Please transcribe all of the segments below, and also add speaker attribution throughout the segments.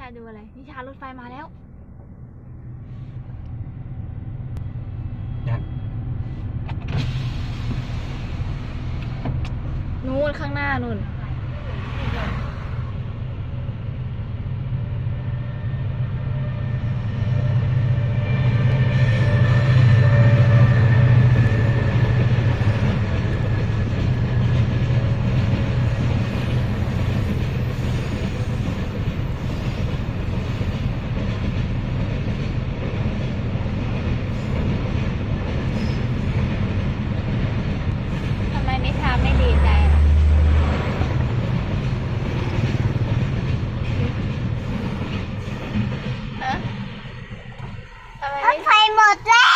Speaker 1: าดูอะไรนิชารถไฟมาแล้วนู่นข้างหน้านู่นทำไมนิชาไม่ดีใจล่ะฮะทำไม
Speaker 2: รถไฟหมดแล้ว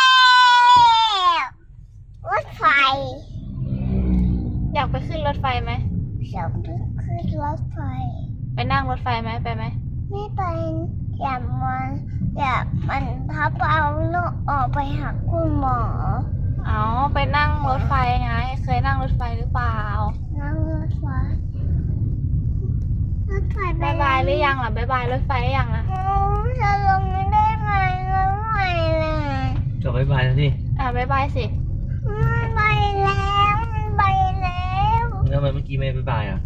Speaker 2: รถไฟ
Speaker 1: อยากไปขึ้นรถไฟไหม
Speaker 2: ชอบขึ้นรถไฟ
Speaker 1: ไปนั่งรถไฟไหมไปไหม
Speaker 2: ไม่เป็นอยากมันพับเอาลูกออกไปหาคุณหมอ
Speaker 1: เอาไปนั่งรถไฟไงเคยนั่งรถไฟหรือเปล่า
Speaker 2: นั่งรถไฟไป
Speaker 1: บายบายหรือยังล่ะบายบายรถไฟหรือยังอ่ะ
Speaker 2: จะลงไม่ได้ไงรถไฟเลย
Speaker 3: ก็บายบายแล้วสิ
Speaker 1: บายบายสิ
Speaker 2: มันไปแล้วมันไปแล้ว
Speaker 3: แล้วทำไมเมื่อกี้ไม่บายบายอ่ะ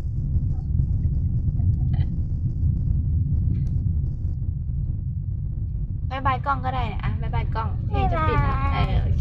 Speaker 1: บายบายกล้องก็ได้บายบายกล้องที่จะปิดแล้วโอ